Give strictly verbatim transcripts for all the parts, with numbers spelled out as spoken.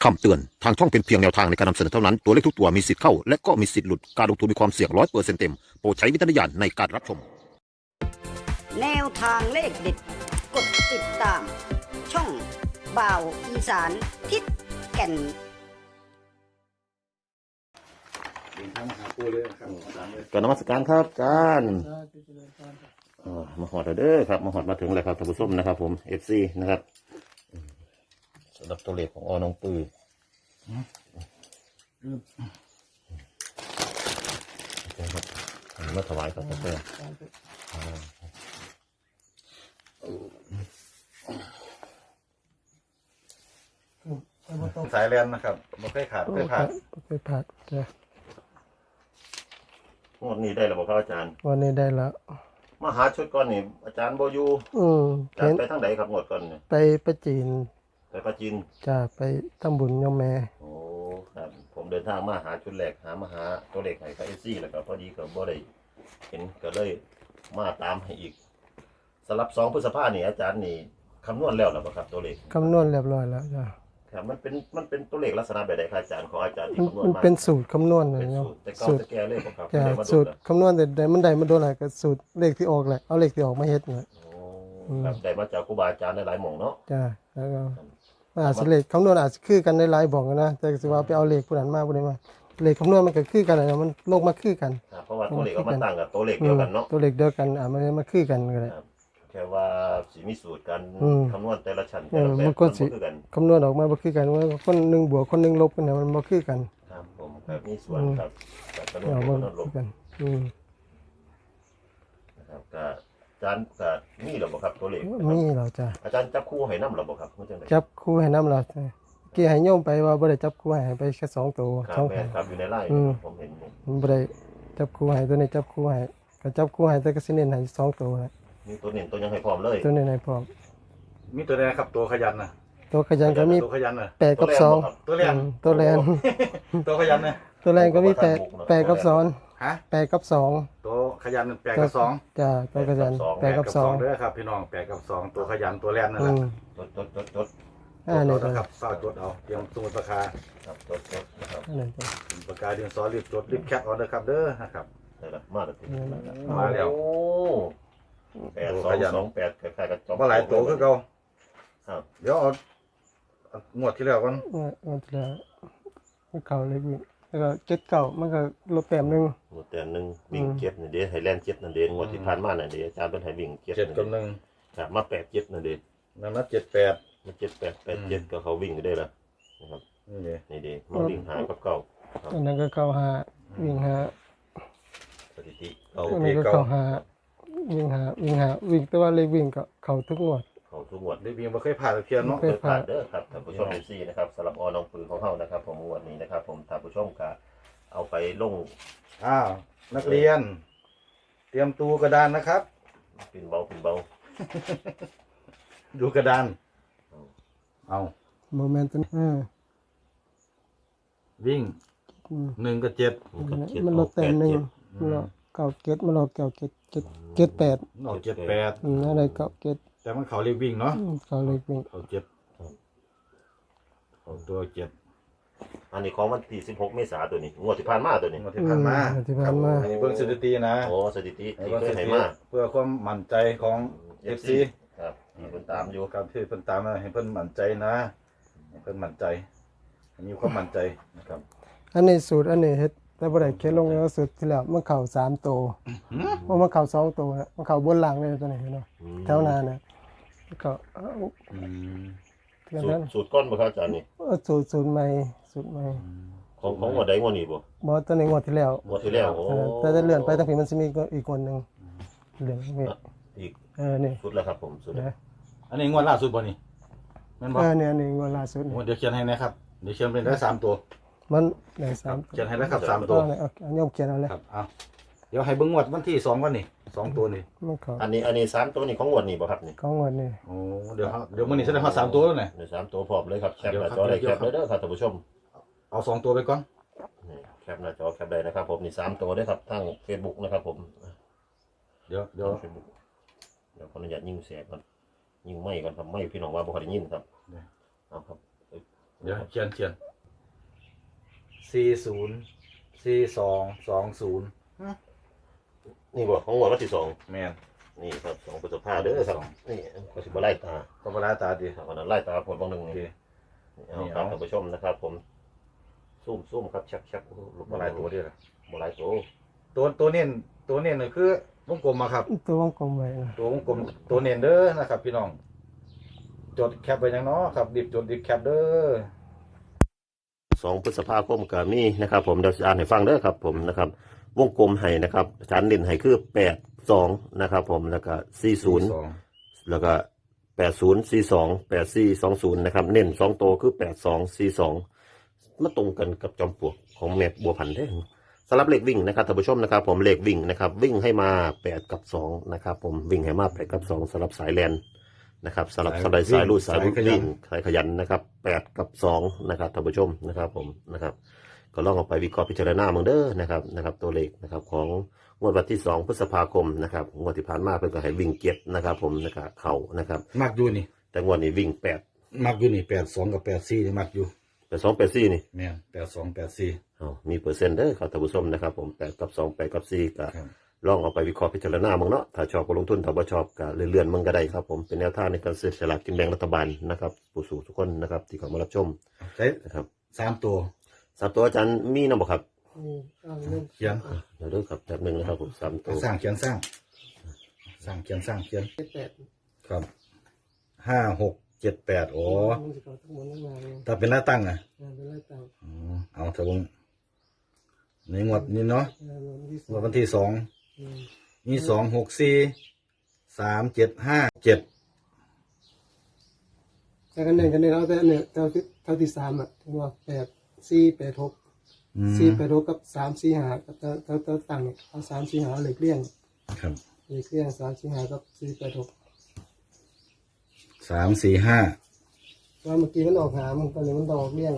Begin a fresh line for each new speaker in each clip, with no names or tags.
คำเตือนทางช่องเป็นเพียงแนวทางในการนำเสนอเท่านั้นตัวเลขทุกตัวมีสิทธิ์เข้าและก็มีสิทธิ์หลุดการลงทุนมีความเสี่ยงร้อยเปอร์เซ็นต์เต็มโปรดใช้วิจารณญาณในการรับชม
แนวทางเลขเด็ดกดติดตาม ช่องบ่าวอีสานทิศแก่น
ก่อนนมัสการครับอาจารย์มาหอดเด้อครับมาหอดมาถึงแล้วครับท่านผู้ชมนะครับผมเอฟซีนะครับสำหรับตัวเลขของอน้องปือมาถวายกับพระเจ้า
สายแลนนะครับไม่เคยขาดไม่เคยขาด
ไม่เคยขาดจ้ะ
งวดนี้ได้แล้วบอกครับอาจารย์
วันนี้ได้แล้ว
มาหาชุดก่อนนี่อาจารย์โบอยู
อืม
อาจาร
เห็น
ย์ไปทางไหนครับงวดก่อนเนี่ย
ไปประจีน
ไปปราจีน
จะไปทำบุญโยมแม่
โอ้ครับผมเดินทางมาหาชุดแรกหามาหาตัวเลขให้กับเอซี่แล้วก็พอดีก็บ่ได้เห็นก็เลยมาตามให้อีกสำหรับสองพฤษภานี่อาจารย์นี่คำนวณแล้วหรือเปล่าครับตัวเลข
คำนวณเรียบร้อยแล้วจ้ะ
ครับมันเป็นมันเป็นตัวเลขลักษณะแบบใดครับอาจารย์ของอาจารย์ที่
มัน
คำนวณ
มัน
มา
เป็นสูตรคำนวณเล
เป็
ย
น
เนาะ
สูตรแต่เก่า
สูตร
แต่แก่เลยบ่ครับ
จ้ะ
เรียกว่า
สูตร
โดน
คำนวณแต่ได้มันได้มาโดนอะไรก็สูตรเลขที่ออกแหละเอาเลขที่ออกมาเฮ็ดเนี่ย
โอ้ครับได้มาจากครูบาอาจารย์หลายๆหม่องเนาะ
จ้ะแล้วก็มันอาจจะเลขคำนวณอาจจะคือกันในหลายบอกนะแต่สิว่าไปเอาเลขผู้นั้นมาผู้นี้มาเลขคำนวณมันก็คือกันนะมันโลกมาคือกัน
ครับเพราะว่าตัวเลขก็มาตั้งกับตัวเลข
อื
เดียว
ม
กันเนาะ
ตัวเลขเดียวกันอ่ะมันมาคือกันก็ได้
ครับแค่ว่าสีมีสูตรการ
อืม
คำนวณแต่ละชั้น
เอ
แต่
อ
ละแบบ
มันก็
มัน
สิ
บ่คือกัน
คำนวณออกมาบ่คือกันว่าคนหนึงบวกคนหนึงลบกันเนี่ยมันบ่คือกัน
ครับผมครับมีส่วนครับกับคำนวณ
เอา
คำ
บ่
นวณล
คื
บ
อกันอืม
นะครับก็อาจารย์ก็มีหรอบ่ครับตัวเลข
มีเราจ้ะ
อาจารย์จับคู่ให้นำหรอบ่ครับมันจังได๋
จับคู่ให้นำเราจ้ะเกี่ยให้โยมไปว่าบ่ได้จับคู่ให้ไปแค่สองตัว
ครั
ส
บ
อง
แม่
หาง
ครับอยู่ในไลน์
อืม
ผมเห็นอยู่
มันบ่ได้จับคู่ให้ตัวนี้จับคู่ให้ก็จับคู่ให้แต่ก็สิเน้นให้สองตัวนะ
มีตัวเน้นตัวยังให้พร้อมเลย
ตัวนี้ให้พร้อม
มีตัวแรกครับตัวขยันนะ
ตัวขยันก็มี
ตัวขยันนะ
แปดกับสอง
ตัวแรก
อืมตัวแรน
ตัวขยันนะ
ตัวแรนก็มีแปดแปดกับสอง
ฮะ
แปดกับสอง
ตัวขยันแปดกับสอง
จ้ะตัวขยันแปดกับสอง
เด้อครับพี่น้องแปดกับสองตัวขยันตัวแรกนั่น
อื
แหละ
ม
จดจดจดจด
อ่านี่
จ
ตัว
ดเอานะครับเฝ้าจดเอาเตรียมสมุดปากกา
ครับจดจดนะครับ
อันนี้ตัว
สมุดปากกาเรียนสอนรีบจดรีบแคปเอาเด้อครับเด้อนะครับ
ได้ละมาแล้วที
มาแล้ว
โอ้แปดสองสองแปดคล้ายๆกับจอม
ว่าหลายตัวคือเก่า
ครับ
เดี๋ยวเอาเอางวดที่แล้วกัน
เออมันจะมันเก่าเลยพี่แล้วก็เจ็ดเก่ามันก็ลบแต้มหนึง
หมดแต่หนึงวิ่งเจ็ดนี่เด้ให้แล่นเจ็ดนั่นเด้งวดที่ผ่านมานั่นเด้อาจารย์เพิ่นให้วิ่งเจ็ด
เจ็ด
นั่น
กับห
เด้
นึ่ง
ครับมาแปดเจ็ดนั่นเด้
นั่นนะเจ็ดแปด
มาเจ็ดแปดแปดเจ็ดก็เขาวิ่งก็ได้ละนะครับ
นี่เลย
นี่เด้มาวิ่งหากับเก่าครับ
อันนั้นก็เก่าหาวิ่งหา
สถิติเขา
อันนี้ก็เก่าหาวิ่งหาวิ่งหาวิ่งแต่ว่าเลยวิ่งก็เข้าทุกงวด
เขาทุกงวด
ได้วิ่งมาเคยผ่านตะเพียนเนาะ
เคย
ผ่านเด้อครับท่านผู้ชมเอซี่นะครับสำหรับอน้องปืนของเฮานะครับ ผมงวดนี้นะครับ ผมท่านผู้ชมก็เอาไปลง
อ้าวนักเรียน เตรียมตัวกระดานนะครับ
ปินเบาปินเบา
ดูกระดาน เอา
โมเมนต์ตัวนี้เออ
วิ่ง
อืม
หนึ่งกับเจ็ด
มันก็เจ็ด
มันล
ออ
ด
กแป
แต้ม
ด
หนึง
เจ็ด
มันลดเก่าเก็ดมันลดเก่าเก็ดเจ็ดเจ็ดแปด
ออกเจ็ดแปด
อืมอะไรเก่าเก็ด
แต่มันเขาเรียกวิ่งเนาะ
อืมเขาเลยวิ่ง
เขาเจ็ดเขาตัวเจ็ด
อันนี้ของวันที่สิบหกเมษายนตัวนี้งวดที่ผ่านมาตัวนี้
งวดที่ผ่านมา
อืที่ผ่านมา
อันนี้เบิ่งสถิตินะ
โอ้สถิติ
ให้
ที่
เบิ่ง
เค
ส
ย
ถิ
ให้
ติ
มา
เพื่อความมั่นใจของเอฟซี
ครับที่เพิ่นตามอยู่
การที่เพิ่นตามมาให้เพิ่นมั่นใจนะให้เพิ่นมั่นใจให้มีความมั่นใจนะครับ
อันนี้สูตรอันนี้เฮ็ดแต่บ่ได้เขียนลงแล้วสูตรที่แล้วมันเข้าสามตัวเพราะมันเข้าสองตัวนะมันเข้าบนหลังเลยตัวนี้เห็นบ่แถวหน้าน่ะมันก็เอา
อืม
เท่า
สูต
นั้
ร
น
สูตรก้อนบ่ครับอาจารย์นี่
เอาสูตรสูตรใหม่สูตรใหม่
ของของงวดใดงวดนี้บ่
บ่ตัวนี้งวดที่แล้ว
งวดที่แล้วโอ้
เออแต่จะเลื่อนไปตั้งแต่มันสิมีอีกคนหนึงเลื่อนนี่
อีก
เออนี่
สุดแล้วครับผมสุดแล้ว
นะ
อันนี้งวดล่าสุดบ่นี่แม่นบ่
เออเนี่ยอันนี้งวดล่าสุด
โอ้เดี๋ยวเขียนให้นะครับเดี๋ยวเขียนเป็นได้สามตัว
มันได้สาม
เขียนให้แล้วครับสาม
ตั
ตัว ว
เอาเอาโยมเขียนเอาเลย
ครับเอาเดี๋ยวให้เบิ่งงวดวันที่สองวันนี่สองตัวนี่
มันเข้า
อันนี้อันนี้สามตัวนี่ของงวดนี้บ่ครับนี่
ของงวดนี่
โอ้เดี๋ยวครับเดี๋ยวมื้อนี้แสดงว่าสามตัวแล้วนี่
เดี๋ยวสามตัวพร้อมเลยครับแคป
เดี๋ยว
ห
ครั
น้า
บ
จอได้
เดี๋
แค
ยว
ป
ครับ
เลยเด้อครับท่านผู้ชม
เอาสองตัวไปก่อน
นี่แคปหน้าจอแคปได้นะครับ ผมนี่สามตัวเด้อครับทาง Facebook นะครับผม
เดี๋ยวเดี๋ยว
เฟซบุ๊กเดี๋ยวขออนุญาตยิงเสียก่อนยิงไม่ก่อนครับไม่พี่น้องว่าบ่ค่อยได้ยินครับเอาครับ
เดี๋ยวเขียนเขียนสี่ศูนย์สี่สองสองศูนย์
นี่บอกของงวดวันที่สอง
แม่น
นี่ครับสองพฤษภาเด้อครับนี่ก็สิบไล่ตา
ก็เวลาตาดี
ครับวันนั้นไล่ตาผลบางหนึ่ง
โอเค
นี่เอาครับท่านผู้ชมนะครับ ผมซุ่มซุ่มครับชักชักลูก
มาหลายตัวเดียว
บ่หลายตัว
ตัวตัวเน้นตัวเน้นนี่คือวงกลมมาครับ
ตัววงกลมไว้นะ
ตัววงกลมตัวเน้นเด้อนะครับ พี่น้อง จดแคปไว้ยังเนาะครับดิบจดดิบแคปเด้อ
สองพฤษภาคมก็มีนะครับ ผมเดี๋ยวจะอ่านให้ฟังเด้อครับ ผมนะครับ วงกลมให้นะครับอาจารย์เด่นให้คือแปดสองนะครับ ผมแล้วก็สี่ศูนย์
สอง
แล้วก็แปดศูนย์สี่สองแปดสี่สองศูนย์นะครับ เน้นสองตัวคือแปดสองสี่สองมาตรงกันกับจอมปลวกของแม่บัวพันธุ์ได้สำหรับเลขวิ่งนะครับท่านผู้ชมนะครับ ผมเลขวิ่งนะครับ วิ่งให้มาแปดกับสองนะครับ ผมวิ่งให้มาแปดกับสองสำหรับสายแลนนะครับสำหรับสายสายรูดสายวิ่งสายขยันนะครับแปดกับสองนะครับท่านผู้ชมนะครับ ผมนะครับ ก็ลองเอาไปวิเคราะห์พิจารณาเมืองเด้อนะครับนะครับ ตัวเลขนะครับของงวดวันที่สองพฤษภาคมนะครับงวดที่ผ่านมาเพิ่นก็ให้วิ่งเก็บนะครับ ผมนะครับเข่านะครับ
มักอยู่นี่
แต่งวดนี้วิ่งแปด
มักอยู่นี่แปดสองกับแปดสี่นี่มักอยู่
แปดสองแปดสี่นี่
แม่นแปดสองแปดสี่
เอามีเปอร์เซ็นต์เด้อครับท่านผู้ชมนะครับ ผมแปดกับสองแปดกับสี่ก็
ครับ
ลองเอาไปวิเคราะห์พิจารณาเมืองเนาะถ้าชอบก็ลงทุนถ้าบ่ชอบก็เลื่อนๆมึงก็ได้ครับ ผมเป็นแนวทางในการซื้อสลากกินแบ่งรัฐบาลนะครับผู้สูงทุกคนนะครับที่เข้ามารับชม
ใช้
นะครับ
สามตัว
สามตัวอาจารย์มีนำบ่ครับ
นี่เอาเริ่ม
เขียน
เดี๋ยวเด้อครับจับหนึ่งนะครับผมสามตัว
สร้างเขียนสร้าง สร้างเขียนสร้างเขียน
แปด
ครับห้าหกเจ็ดแปดโอ้
มันจะเข้าทั้งหมดทั้งงานเลย
ถ้าเป็นหน้าตั้งอ่ะ
งานเป็นไรต่าง
อ๋อเอาเถอะวงในงวดนี้เนาะ
งานวันที่ส
ง
อ
วด
ง
วันที่สอง
อืม
มีสองหกสี่สามเจ็ดห้าเจ็ด
แต่กันหนึ่งกันหนึ่งเอาแต่เนี่ยเท่าที่เท่าที่สามอ่ะถึงว่าแปดสี่แปดหกสี่แปดหกกับสามสี่หากับเท่าเท่าเท่าต่างเนี่ยเอาสามสี่หาเหล็กเลี่ยง
ครับ
เหล็กเลี่ยงสามสี่หากับสี่แปดหก
สามสี่ห้า
ว่าเมื่อกี้มันออกหามันก็เลยมันต้องออกเลี่ยง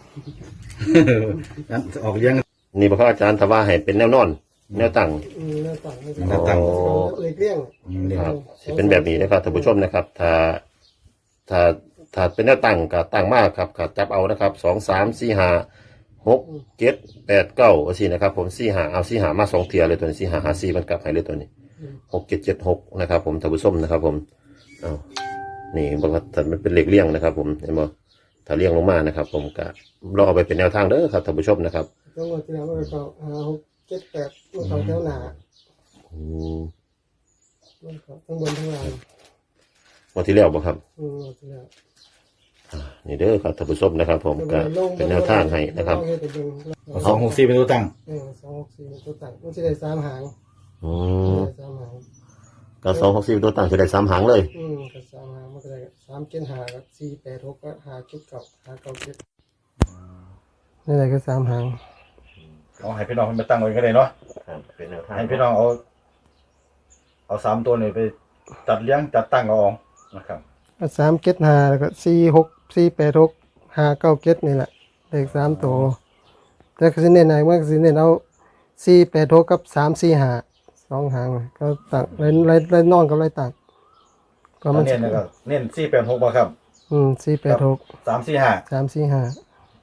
งั้นออกเลี้ยง
นี่บ่ครับอาจารย์ถ้าว่าให้เป็นแนวนอน แนวตั้ง
อืมหน้าต่างไม่
หน้าต่าง
เหล็กเลี่ยง
อืมเนี่ย
ครับสิเป็นแบบนี้นะครับท่านผู้ชมนะครับ ถ้าถ้าถ้าเป็นแนวตั้งก็ตั้งมากครับก็จับเอานะครับสองสามสี่ห้าหกเจ็ดแปดเก้าสี่นะครับ ผมสี่ห้าเอาสี่ห้ามาสองเทียเลยตัวนี้สี่ห้าหาสี่มันกลับให้เลยตัวนี้หกเจ็ดเจ็ดหกนะครับ ผมท่านผู้ชมนะครับ ผมเอานี่บอกว่าถ้ามันเป็นเหล็กเลี่ยงนะครับ ผมเห็นบ่ถ้าเลี่ยงลงมานะครับ ผมก็ลองเอาไปเป็นแนวทางเด้อครับท่านผู้ชมนะครับ
ต้องมาที่แล้วมันก็หาหกเจ็ดแปดมันเขาแถวหนา
อืม
มันเขาทั้งบนทั้งล่าง
วันที่แล้วบ่ครับ
อืมมาที่แล้ว
อ่านี่เด้อครับท่านผู้ชมนะครับ ผมก็เป็นแนวทางให้นะครับ
ลองให้ไปเบิ่ง
เอาสองหกสี่เป็นตัวตั้ง
เออสองหกสี่ตัวต่างมันจะได้สามหาง
อืม
ได้สามหาง
ก็สองหกสี่ตัวตั้งจะได้สามหางเลย
อืมกับสามหางมันก็ได้สามเจ็ดหากับสี่แปดหกก็หาจุดเก่าหาเก่าเจ็ดนี่แหละก็สามหาง
เอาให้พี่น้องไปตั้งไว้ก็ได้เนาะ
ครับเป็นแนวทาง
ให้พี่น้องเอา เอาสามตัวนี้ไปจัดเลี้ยงจัดตั้งเอาเองนะครับ
ก็สามเจ็ดหาแล้วก็สี่หกสี่แปดหกหาเก้าเจ็ดนี่แหละเลขสามตัวแต่ก็สิเน้นไหนมันก็สิเน้นเอาสี่แปดหกกับสามสี่หาสองหางก็ต่างไรไรไรนอนกับไรต่างก็
ตอ
มัน น
เน้นนะครับเน้นสี่แปดหกมาครับ
อืมสี่แปดหก
สามสี่ห้า
สามสี่ห้า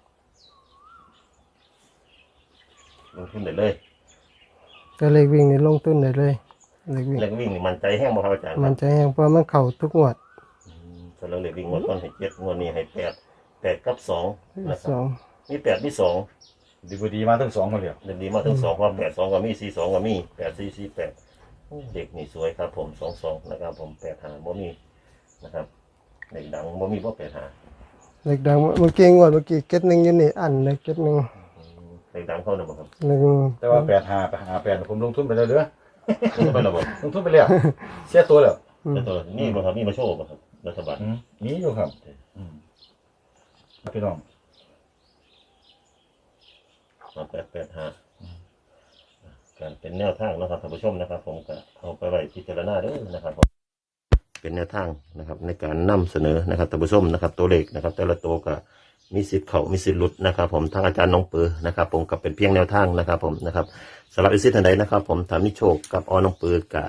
ลงทุนได้เลย
ก็เลขวิ่งนี่ลงทุนได้เลยเลขวิ่ง
เล็กวิ่งนี่มันใจแห้งบ่ครับอาจารย์
มันจะแห้งเพราะมันเข่าทุกงวด
อืมส่วนเรื่องเล็กวิ่งงวดก่อนให้เจ็ดงวดนี้ให้แปดแปดกับสองนะค
ส
รับ
อง
มีแปดมีสอง
ดีบดีมาทั้งสองคนเดียว
เด็กดีมาถึงสองว่าแปดสองก็มีสี่สองก็มีแปดสี่สี่แปดเด็กนี่สวยครับ ผมสองสองนะครับ ผมแปดหาบ่มีนะครับเด็กดังบ่มีบ่แปดหา
เลขดังเมื่อกี้งวดเมื่อกี้เก็ตหนึ่งอยูนี่อันเลยเก็ตหนึ่ง
อืมเด็กดังเข้าหนึ่งบ่ครับ
หนึ่ง
แต่ว่าแปดห้าไปหาแปดผมลงทุนไปแล้วเด้อ
ลงไปแล้วบ่
ลงทุนไปแล้วเสียตัวแล้ว
แต่ตัวนี่บ่ครับนี่มาโชว์บ่ครับรัฐบาล
อืมมีอยู่ครับอืมพี่น้อง
มาแปดแปดห้าการเป็นแนวทางนะครับท่านผู้ชมนะครับ ผมก็เอาไปไว้พิจารณาเด้อนะครับผมเป็นแนวทางนะครับ ในการนำเสนอนะครับท่านผู้ชมนะครับ ตัวเลขนะครับ แต่ละตัวก็มีสิทธิ์เขามีสิทธิ์หลุดนะครับ ผมทางอาจารย์น้องปือนะครับ ผมก็เป็นเพียงแนวทางนะครับ ผมนะครับสำหรับอิสิท่านใดนะครับ ผมถามนิโชคกับอน้องปือกับ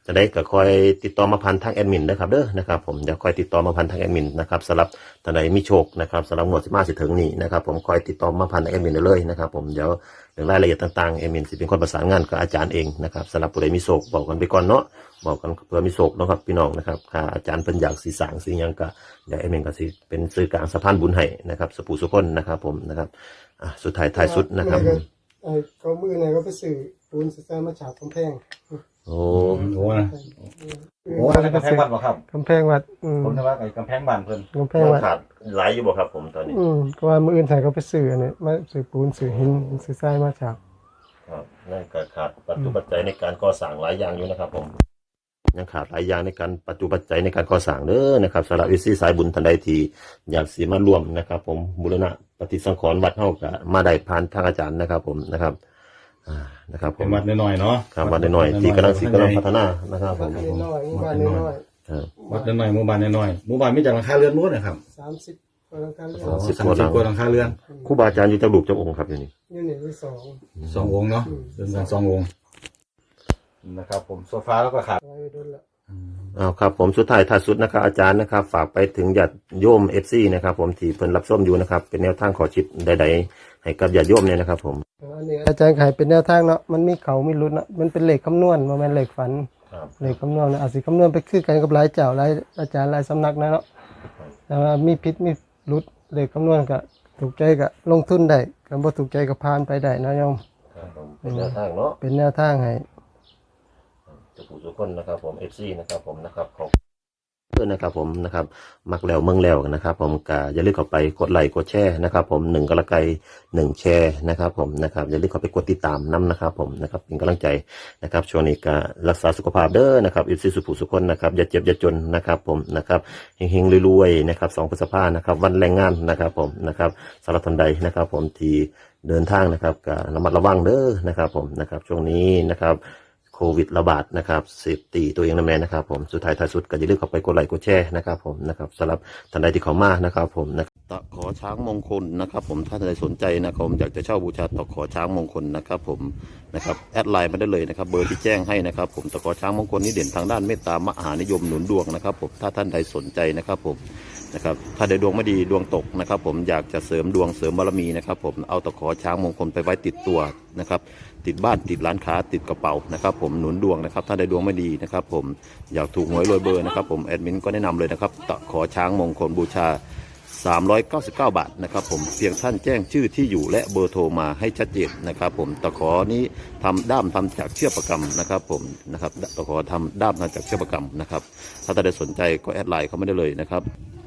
จะได้ก็คอยติดต่อมาพันทางแอดมินนะครับเด้อนะครับผมเดี๋ยวคอยติดต่อมาพันทางแอดมินนะครับสำหรับท่านใดมีโชคนะครับสำหรับงวดสิบห้าสิถึงนี้นะครับผมคอยติดต่อมาพันทางแอดมินได้เลยนะครับผมเดี๋ยวเรื่องรายละเอียดต่างๆแอดมินสิเป็นคนประสานงานกับอาจารย์เองนะครับสำหรับผู้ใดมีโชคบอกกันไปก่อนเนาะบอกกันเพื่อมีโชคนะครับพี่น้องนะครับค่ะอาจารย์เป็นอยากสีสางสียังก็เดี๋ยวแอดมินก็สิเป็นสื่อกลางสะพานบุญให้นะครับสปูสุคนนะครับผมนะครับอ่ะสุดท้ายท้ายสุดนะครับ
ไอ้เขามือไหนก็ไปสื่อปูนสร้างมาฉาบกำแพง
โอ้
โอ้นะโอ้อันนั้นกำแพงวัดบ่ครับ
กำแพงวัดอืม
ผมนึกว่าไอ้กำแพงบ้านเพิ่น
กำแพงวัด
ขาดหลายอยู่บ่ครับผมตอนนี้
อืมก็ว่ามืออื่นใส่เขาไปสื่ออันนี้มาสื่อปูนสื่อหินสื่อทรายมาฉาบ
ครับนั่นก็ขาดปัจจุปัจจัยในการก่อสร้างหลายอย่างอยู่นะครับผมยังขาดหลายอย่างในการปัจจุปัจจัยในการก่อสร้างเด้อนะครับสำหรับวิซีสายบุญทันใดที่อยากสีมาร่วมนะครับผมบูรณะปฏิสังขรณ์วัดเฮาก็มาได้ผ่านทางอาจารย์นะครับผมนะครับอ่านะครับผ
เป็น
ม
วัดน้อยๆเนาะ
ครับวัดน้อยๆที่กำลังสิกำลังพัฒนานะครับผม
น้อยๆบ้านน้อย
ครับ
วัดน้อยๆหมู่บ้านน้อยๆหมู่บ้านมีจากหลังคาเรือนนู้นนะครับ
ๆสามสิบกว่าหลังคาเรือน
สามสิบ
สามสิบกว่าหลังคาเรือน
ครูบาอาจารย์อยู่เจ้าลูกเจ้าองค์ครับอยู่นี่
อยู่นี่มีสอง
สององค์เนาะเรือนกันสององค์นะครับผมโซฟาแล้วก็ขาด
ไว้โดนละ
อ้าวครับผมสุดท้ายท้ายสุดนะครับอาจารย์นะครับฝากไปถึงญาติโยมเอฟซีนะครับผมที่เพิ่นรับส้มอยู่นะครับเป็นแนวทางขอชิดใดๆให้กับญาติโยมเนี่ยนะครับผม
อันนี้อาจารย์ขายเป็นแนวทางเนาะมันมีเขามีรุดเนาะมันเป็นเลขคำนวณมันเป็นเลขฝัน
ครับ
เลขคำนวณเนี่ยอาจสิคำนวณไปคือกันกับหลายเจ้าหลายอาจารย์หลายสำนักนะเนาะแต่ว่ามีพิษมีรุดเลขคำนวณก็ถูกใจก็ลงทุนได้ก็บ่ถูกใจก็ผ่านไปได้นะโยม
ครับผมเป็นแนวทางเนาะ
เป็นแนวทางให้
จะผู้ทุกคนนะครับผมเอฟซีนะครับผมนะครับขอบเพื่อนนะครับผมนะครับมักแล้วเมืองแล้วนะครับผมก็อย่าลืมเข้าไปกดไลค์กดแชร์นะครับผมหนึ่งกระไกหนึ่งแชร์นะครับผมนะครับอย่าลืมเข้าไปกดติดตามน้ำนะครับผมนะครับเป็นกำลังใจนะครับช่วงนี้ก็รักษาสุขภาพเด้อนะครับเอฟซีสุผู้สุคนนะครับอย่าเจ็บอย่าจนนะครับผมนะครับเฮงๆรวยๆนะครับสองพฤษภานะครับวันแรงงานนะครับผมนะครับสำหรับทันใดนะครับผมที่เดินทางนะครับก็ระมัดระวังเด้อนะครับผมนะครับช่วงนี้นะครับโควิดระบาดนะครับเซฟตีตัวเองนะแม่นะครับผมสุดท้ายท้ายสุดก็อย่าลืมเข้าไปกดไลค์กดแชร์นะครับผมนะครับสำหรับท่านใดที่เข้ามานะครับผมนะตะขอช้างมงคลนะครับผมถ้าท่านใดสนใจนะครับผมอยากจะเช่าบูชาตะขอช้างมงคลนะครับผมนะครับแอดไลน์มาได้เลยนะครับเบอร์ที่แจ้งให้นะครับผมตะขอช้างมงคลนี้เด่นทางด้านเมตตามหานิยมหนุนดวงนะครับผมถ้าท่านใดสนใจนะครับผมนะครับถ้าใดดวงไม่ดีดวงตกนะครับผมอยากจะเสริมดวงเสริมบารมีนะครับผมเอาตะขอช้างมงคลไปไว้ติดตัวนะครับติดบ้านติดร้านค้าติดกระเป๋านะครับผมหนุนดวงนะครับถ้าใดดวงไม่ดีนะครับผมอยากถูกหวยรวยเบอร์นะครับผมแอดมินก็แนะนำเลยนะครับตะขอช้างมงคลบูชาสามร้อยเก้าสิบเก้าบาทนะครับผมเพียงท่านแจ้งชื่อที่อยู่และเบอร์โทรมาให้ชัดเจนนะครับผมตะขอนี้ทำด้ามทำจากเชือกประกำนะครับผมนะครับตะขอทำด้ามทำจากเชือกประกำนะครับถ้าท่านใดสนใจก็แอดไลน์เขาไม่ได้เลยนะครับ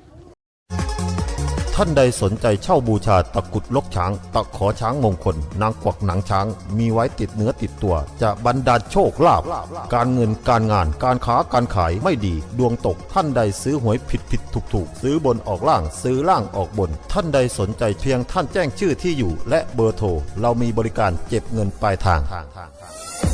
ท่านใดสนใจเช่าบูชาตะกุดลกช้างตะขอช้างมงคลนางกวักหนังช้างมีไว้ติดเนื้อติดตัวจะบรรดาลโชคลาภการเงินการงานการค้าการขายไม่ดีดวงตกท่านใดซื้อหวยผิดผิดถูกถูกซื้อบนออกล่างซื้อล่างออกบนท่านใดสนใจเพียงท่านแจ้งชื่อที่อยู่และเบอร์โทรเรามีบริการเก็บเงินปลายทาง